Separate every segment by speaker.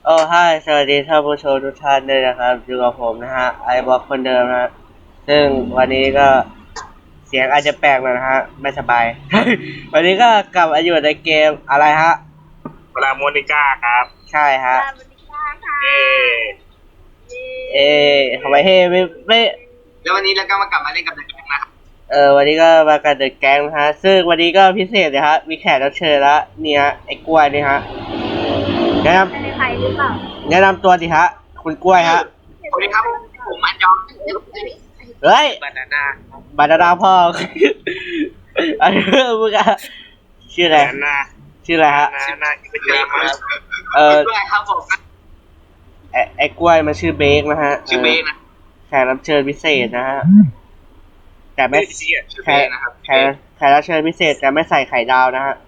Speaker 1: โอ้ฮายสวัสดีท่านผู้ชมทุกท่านด้วยนะครับอยู่กับผมนะฮะไอบอกคนเดิมนะซึ่งวันนี้ก็เสียงอาจจะแปลกหน่อยนะฮะไม่สบาย วันนี้ก็กลับมาอยู่ในเกมอะไรฮะ
Speaker 2: เวลาโมนิก้าครับ
Speaker 1: ใช่ฮะ
Speaker 3: สวัสดีค่ะ
Speaker 2: เอ
Speaker 1: เอทำไมเฮ้ไม่
Speaker 2: แล้ววันนี้เราก็มากลับมาเล่นกับเด็กนะครับ
Speaker 1: วันนี้ก็มากันเดอะแก๊งนะฮะซึ่งวันนี้ก็พิเศษเลยฮะมีแขกรับเชิญละเนี่ยไอ้กล้วยนี่ฮะแนะน
Speaker 3: เป็นใครหรือเปล่า
Speaker 1: ำแนะนำตัวดิฮะคุณกล้วยฮะ
Speaker 2: สวัสดีครับผมอันยอง
Speaker 1: เฮ้ย
Speaker 2: บานาน่า
Speaker 1: บานาน่าพ่อ อันนี้มึงอะชื่ออะไรชื่ออะไรฮะ
Speaker 2: ชื่อนาอีกเป็นเจมส์ครับผม
Speaker 1: ไอ้กล้วยมันชื่อเบคนะฮะ
Speaker 2: ชื่อเบคนะ
Speaker 1: แขกรับเชิญพิเศษนะฮะแต่ไม่
Speaker 2: แข
Speaker 1: กรับเชิญพิเศษแต่ไม่ใส่ไข่ดาวนะฮะ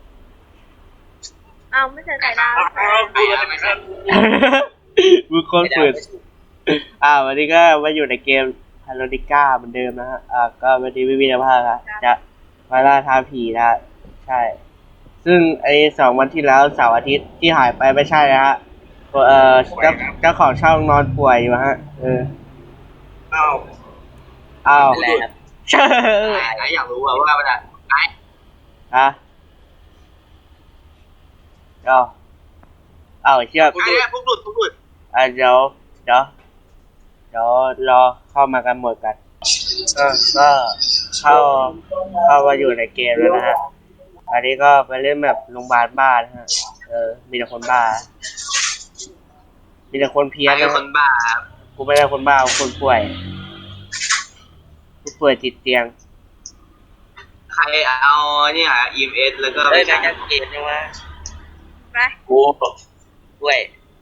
Speaker 3: เอาไม่ใช่ไข่ดาว
Speaker 1: มึงคนฝืนวันนี้ก็มาอยู่ในเกมฮาโลดิก้าเหมือนเดิมนะฮะก็วันนี้ไม่มีอะไรมากครับจะมาล่าท้าผีนะใช่ซึ่งไอ้2 วันที่แล้วเสาร์อาทิตย์ที่หายไปไม่ใช่นะฮะเจ้าของช่องนอนป่วยอยู่ฮะอ้าว
Speaker 2: ใช่อยากรู้ว่ามันอะไร
Speaker 1: ฮะเชื่อ
Speaker 2: พวกหลุด
Speaker 1: เดี๋ยวรอเข้ามากันหมดกันก็เข้ามาอยู่ในเกมแล้วนะฮะอันนี้ก็ไปเล่นแบบโรงพยาบาลบ้านะฮะมีแต่คนบ้ามีแต่คนเพี้ยนนะ
Speaker 2: คนบ้า
Speaker 1: กูไม่ได้คนบ้าคนป่วยติดเตียง
Speaker 2: ใครเอาเนี่ย EMS แล้วก็
Speaker 1: ไปจัดเกมยังวะ
Speaker 3: ไป
Speaker 2: กูด้วย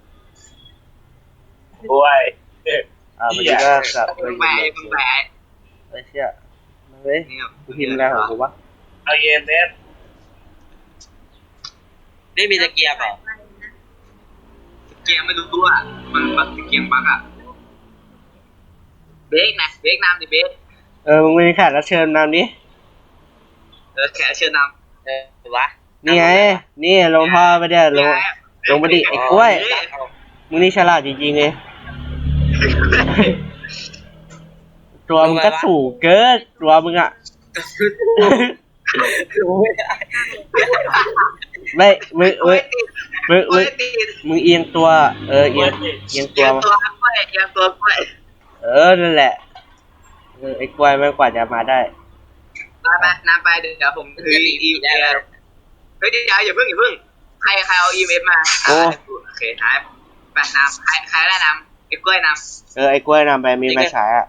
Speaker 1: วันนี้ก็กลับ
Speaker 2: ไป
Speaker 1: ไอ้เชี่ยมาเลยกูพิมพ์อะไรของกูวะ
Speaker 2: เอา EMS ไม่มีตะเกียบหรอตะเกียบไม่รู้ตัวมันบักตะเกียบบักอะเบรกน้ำดิเบรก
Speaker 1: มึงมีแขกรับเชิญนำดิ
Speaker 2: แขกรับเชิญนำวะ
Speaker 1: นี่ไงนี่ลงพ่อไปเดี๋ยวลงมาดิไอ้กล้วยมึงนี่ฉลาดจริงๆเลยตัวมึงก็สูงเกินตัวมึงอ่ะไม่มึงเอียงตัวเอียงตัวนั่นแหละไอ้กล้วยไม่กว่าจะมาได้
Speaker 2: ไปน้ำไปเดี๋ยวผมถืออีเมลเฮ้ยเดี๋ยวอย่าเพิ่งใครเอาอีเมลมาโอเคท้ายไปน้ำใครได้น้ำไอ้กล้วยน้ำ
Speaker 1: ไอ้กล้วยนำไปมีไฟฉายอ่ะ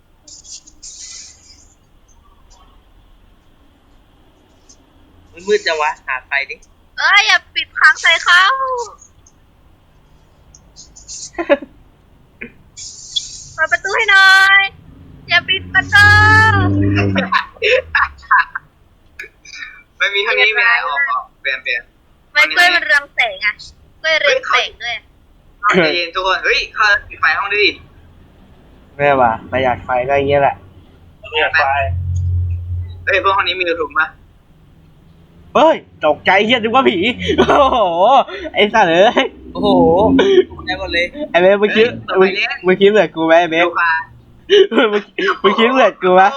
Speaker 2: มืดจังวะหาไฟดิ
Speaker 3: อย่าปิดค้างใส่เขาเปิดประตูให้หน่อยอย่าปิดประตู
Speaker 2: ไม่มีเท่านี้ไม่ได้ออกเปลี่ยน
Speaker 3: ไม่กล้วยมันเรืองแสงอ่ะกล้วยเรืองแสงด้วย
Speaker 2: ใจเย็นทุกคนเฮ้ยเข้าปิดไฟห้องดิ
Speaker 1: แม่ว่ะประหยัดไฟก็อย่างเงี้ยแหละ
Speaker 2: ประหยัดไฟพวกห้องนี้มีถุงปะ
Speaker 1: เฮ้ยตกใจเฮียนึกว่าผีโอ้โหไอ้สัตว์
Speaker 2: โอ้โหได้หมดเลย
Speaker 1: ไอ้เบสมึงคิดเหมือนกูไหมไอ้เบสมึงคิดเหมือนกูไหม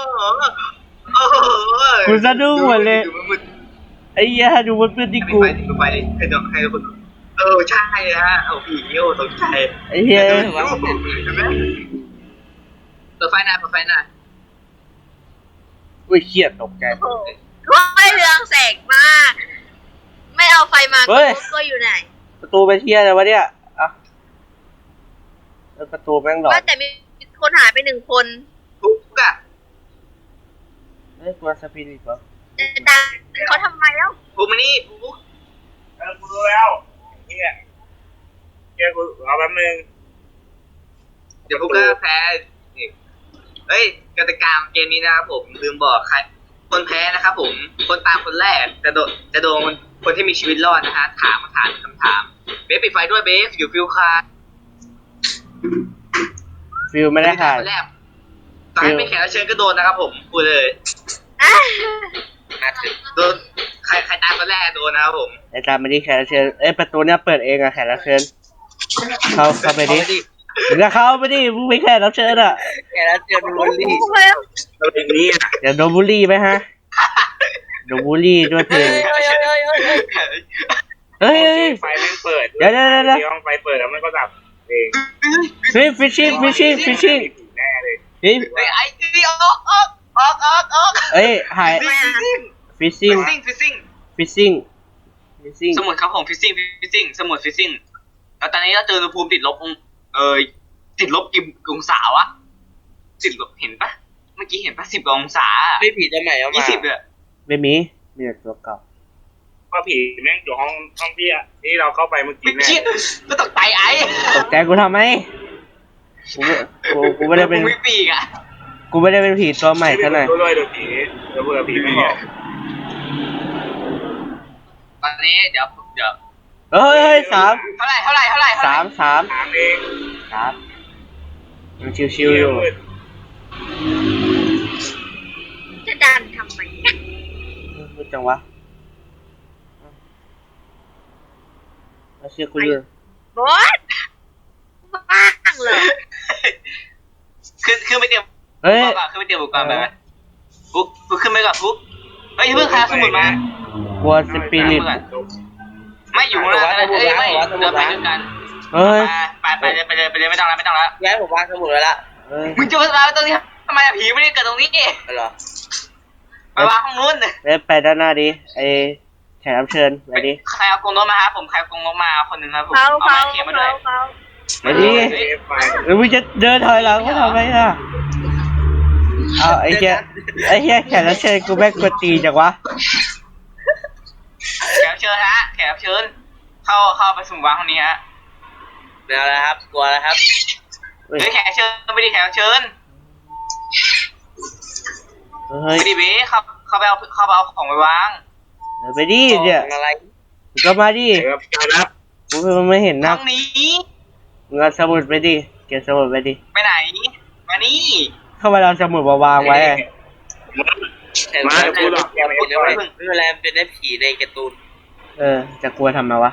Speaker 1: กูสะดุ้งหมดเลยไอ้เหี้ยดูมันเป็นที่กู
Speaker 2: ไปให้คนใช่ฮะเอาผีตกใจ
Speaker 1: ไอ้เหี้ย
Speaker 2: เปิดไฟหน้า
Speaker 1: อุ้ยเครียดตกใจ
Speaker 3: ไม่เรืองแสงมากไม่เอาไฟมาก็อยู่ไหน
Speaker 1: ประตูไปเที่ยอะไรวะเนี่ยประตูแม่งหลอก
Speaker 3: ว่าแต่มีคนหายไป1 คน
Speaker 2: ทุกอะ
Speaker 1: ตัวสปิริตเหรอ
Speaker 3: จะดังเขาทำไมแล้ว
Speaker 2: กูมานี่กูรู้แล้วเนี่ยกูรอแป๊บนึงเดี๋ยวพวกก็แพ้เฮ้ยกติกาเกมนี้นะครับผมลืมบอกใครคนแพ้นะครับผมคนตามคนแรกจะโดนคนที่มีชีวิตรอดนะฮะถามคำถามเบสปิดไฟด้วยเบสอยู่ฟิลคา
Speaker 1: ฟิลไม่ได้ค่ะ
Speaker 2: ตอนไม่แขกรับเชิญก็โดนนะครับผมพูดเลยโดนใครตามคนแรกโดนนะครับผม
Speaker 1: ไอ้ตามไม่ได้แขกรับเชิญประตูเนี้ยเปิดเองอะแขกรับเชิญเข้าไปดิมึงก็เข้าไปดิมึงไม่แค่รับเชิญอ่ะ
Speaker 2: แกแล้วเจอบูลลี่
Speaker 3: โอ้ย
Speaker 2: เราเป็นนี้อ่ะ
Speaker 1: เดี๋ยวโดนบูลลี่ไหมฮะโดนบูลลี่ด้วยเพลงเฮ้ย
Speaker 2: ไฟแม่งเปิด
Speaker 1: เดี๋ยว
Speaker 2: ห้องไฟเปิดแล้วมันก็ดับเอง
Speaker 1: เฮ้ยฟิชชิ่ง
Speaker 2: แน่เลย
Speaker 1: เฮ้ย
Speaker 2: ไอ้ที่ออก
Speaker 1: เอ้ยหายฟิชชิ่ง
Speaker 2: สมุดครับผมฟิซซิ่งสมุดฟิซซิ่งแล้วตอนนี้เราเจออุณหภูมิติดลบติดลบกี่องศาวะติดลบเห็นปะเมื่อกี้เห็นปะ10 กว่าองศาไม่ผีจะใหม่เอามา20เลย
Speaker 1: ไม่มีแต่ตัวเก่า
Speaker 2: ก็ผีแม่งอยู่ห้องที่เราเข้าไปเมื่อกี้แน่ก็ตกใจไอ้
Speaker 1: ตกใจกูทำไมกูไม่ได้เป็น
Speaker 2: ไม่ปีกอ่ะ
Speaker 1: กูไม่ได้เป็นผีตัวใหม่ซะหน่อย
Speaker 2: ด้วยโดนผีแล้วเบื่อผีไม่บอกตอนนี้เดี๋ยว
Speaker 1: เฮ้ย3
Speaker 2: เท่าไหร่3เอง
Speaker 1: มันชิวๆอยู่
Speaker 3: จะดันทำไม
Speaker 1: พูดจังวะมาเชื่อกูอยู่
Speaker 3: บอสบ้างเหรอ
Speaker 2: ขึ้นไปเตรียม
Speaker 1: เฮ้ย
Speaker 2: ขึ้นไปเตรียมอุปกรณ์ไปไหมฟุกขึ้นไปก่อนฟุกเฮ้ยเพิ่งคาสมุดมาก
Speaker 1: ลัวสปิริต
Speaker 2: ไม่อยู่ข้างล่างนะไม่เดินไปด้วยกัน
Speaker 1: เฮ้ย
Speaker 2: ไปเลยไม่ต้องแล้ว
Speaker 4: ย้ายผมวางสมุดไว้ละ
Speaker 1: เฮ้ย
Speaker 2: มึงจะมาตรงนี้ทำไมผีไม่ได้เกิดตรงนี้
Speaker 4: เหรอ
Speaker 2: ไปวางห้องนู้น
Speaker 1: ไปด้านหน้าดิไอแขกรับเชิญไปดิ
Speaker 2: ใครเอากรงนกมาครับผมใครเอากรงนกมาคนหนึ่งครับผม
Speaker 3: เขา
Speaker 2: เอาไม้เขียนมาด้วย
Speaker 1: ไปดิแล้วมึงจะเดินถอยหลังก็ทำไมล่ะเอาไอ้เหี้ยแขกรับเชิญกูแม่งกดตีจังวะ
Speaker 2: แขกรับเชิญฮะแขกรับเชิญเข้าไปสุ่มวางห้องนี้ฮะ
Speaker 4: ไม่เอาแล้วครับกลัวแล้วครับ
Speaker 1: เฮ้ย
Speaker 2: เฮ้ยแขกรับเชิญไม่ได้แขกรับเชิญ
Speaker 1: เฮ้ย
Speaker 2: ไม่ได้เบ้เข้าไปเอาของไปวาง
Speaker 1: ไปดิเนี่ย
Speaker 4: ของอะไร
Speaker 1: มึงก็มาดิ
Speaker 2: ครับ
Speaker 1: กูไม่เห็น
Speaker 2: ห้
Speaker 1: นะ
Speaker 2: องนี้
Speaker 1: มึงเอาสมุดไปดิเก็บสมุดไปดิ
Speaker 2: ไปไหนมานี่
Speaker 1: เข้ามาเอาสมุดมาวางไว้
Speaker 4: แต่
Speaker 2: มา
Speaker 4: ว่า
Speaker 2: พูดหรอก
Speaker 4: อย่าพูดเลยไม่เป็นไรมันเป็นได้ผีในการ์ตูน
Speaker 1: จะกลัวทำไมวะ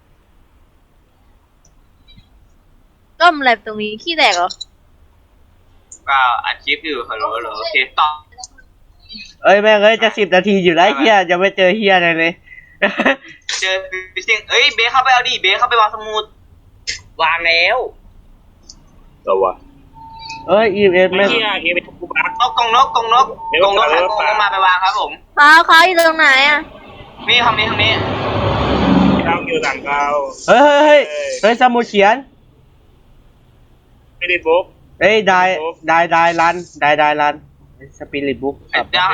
Speaker 3: ต้มอะไรตรงนี้ขี้แตกเหรอ
Speaker 2: ก็อัดคลิปอยู่ฮัลโหลโอเคต่อ
Speaker 1: แม่งจะ10 นาทีอยู่แล้วเฮียจะไม่เจอเฮียอะไรเลย
Speaker 2: เจอฟิชชิ่งเอ้ยเบ้เข้าไปเอาดิเบ้เข้าไปวางสมุด
Speaker 4: วางแล้ว
Speaker 2: ตัว
Speaker 1: EMS แม่ง
Speaker 2: กรงนกมาไปวางครับผม
Speaker 3: เขาอยู่ตรงไหนอ่ะ
Speaker 2: นี่ทำนี้ตั้งอยู่หลังเรา
Speaker 1: เฮ้ยสมุดเขียน
Speaker 2: ไม่ได้บุ๊ก
Speaker 1: ได้รันสปิริตบุ๊ก
Speaker 2: เดี๋ยว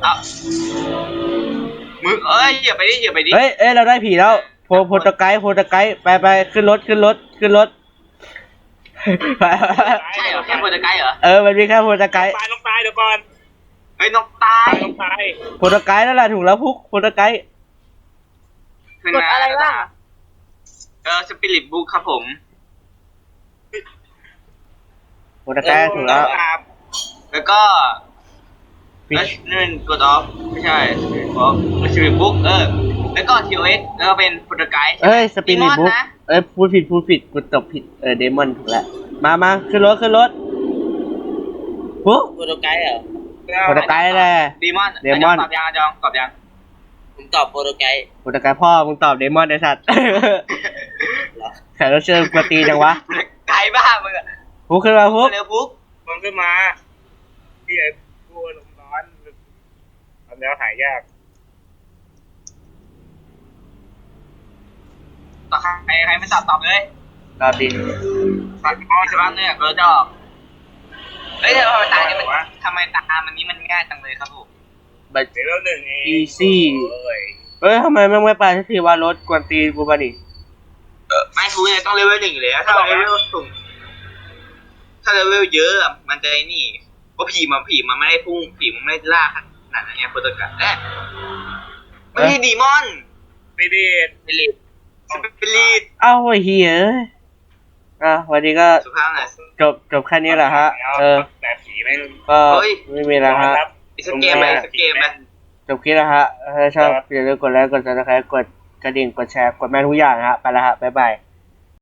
Speaker 2: มึงอย่าไปดิ
Speaker 1: เฮ้ยเราได้ผีแล้วโพตไกด์ไปขึ้นรถไป
Speaker 2: ใช่เหรอแค่โปรตไกด์เหรอ
Speaker 1: มันมีแค่โพตไกด์
Speaker 2: นกตายเดี๋ยวก่อนเฮ้ยนกตาย
Speaker 1: โพตไกด์นั่นแหละถูกแล้วพุกโพตไกด์
Speaker 3: กดอะไรบ้าง
Speaker 2: สปิริตบุ๊กครับผม
Speaker 1: โพตไกด์ถูกแล้ว
Speaker 2: แล้วก็นั่นกดออฟไม่ใช่สปิริตบุ๊กแล้วก็ทีโอเอสแล้วก็เป็นโปรตไกด์
Speaker 1: สปิริตบุ๊กพูดผิดกูตบผิดเดมอนถูกแล้วมาขึ้นรถพุก
Speaker 4: โปรโตไกด์เหรอ
Speaker 1: โพตไกด์แหละ
Speaker 2: เดมอน
Speaker 1: เดมอน
Speaker 2: ตอบยัง
Speaker 4: ผมตอบโปรโตไกด์
Speaker 1: โพตไกด์พ่อมึงตอบเดมอนไอ้สัตว์แขกรับเชิญกวนตีจังวะ
Speaker 2: ไกด์บ้ามึงอะ
Speaker 1: พุกขึ้นมาพุก
Speaker 2: เร็วปุ๊บมึงขึ้นมาพี่ไอ้กูลมร้อนทำแล้วหายยากต่อใครไม่ตอบเลย
Speaker 1: ตอบดิ
Speaker 2: ตัดมอใช่ป่ะเนี่ยเราจะออกเฮ้ยทำไมตาเนี่ยมันตามันนี้มันง่ายจังเลยครับผม
Speaker 1: บัต
Speaker 2: เดี๋ยว1เอง
Speaker 1: easy ทำไมแม่งไม่ไปสักทีว่ารถกวนตีกูมาดิ
Speaker 2: ไม่กูเนี่ยต้องเลเวล1อยู่แล้วถ้าเลเวลสูงถ้าเลเวลเยอะมันจะนี่เพราะผีมันไม่ได้พุ่งผีมันไม่ได้ล่าขนาดนั้นไงโปรโตไกด์ไม่ใช่ดีมอนไม่ได้สปิริต
Speaker 1: เอ้าไอ้เหี้ยวันนี้ก็
Speaker 2: สุภาพหน่อย
Speaker 1: จบแค่นี้แหละฮะ
Speaker 2: แต่ผีแม่ง
Speaker 1: ก็ไม่มีแล้วฮะ
Speaker 2: อีกสักเกมไหม
Speaker 1: จบคลิปแล้วฮะถ้าชอบอย่าลืมกดไลค์กดซับสไครต์กดกระดิ่งกดแชร์กดแม่ทุกอย่างฮะไปแล้วฮะบ๊ายบาย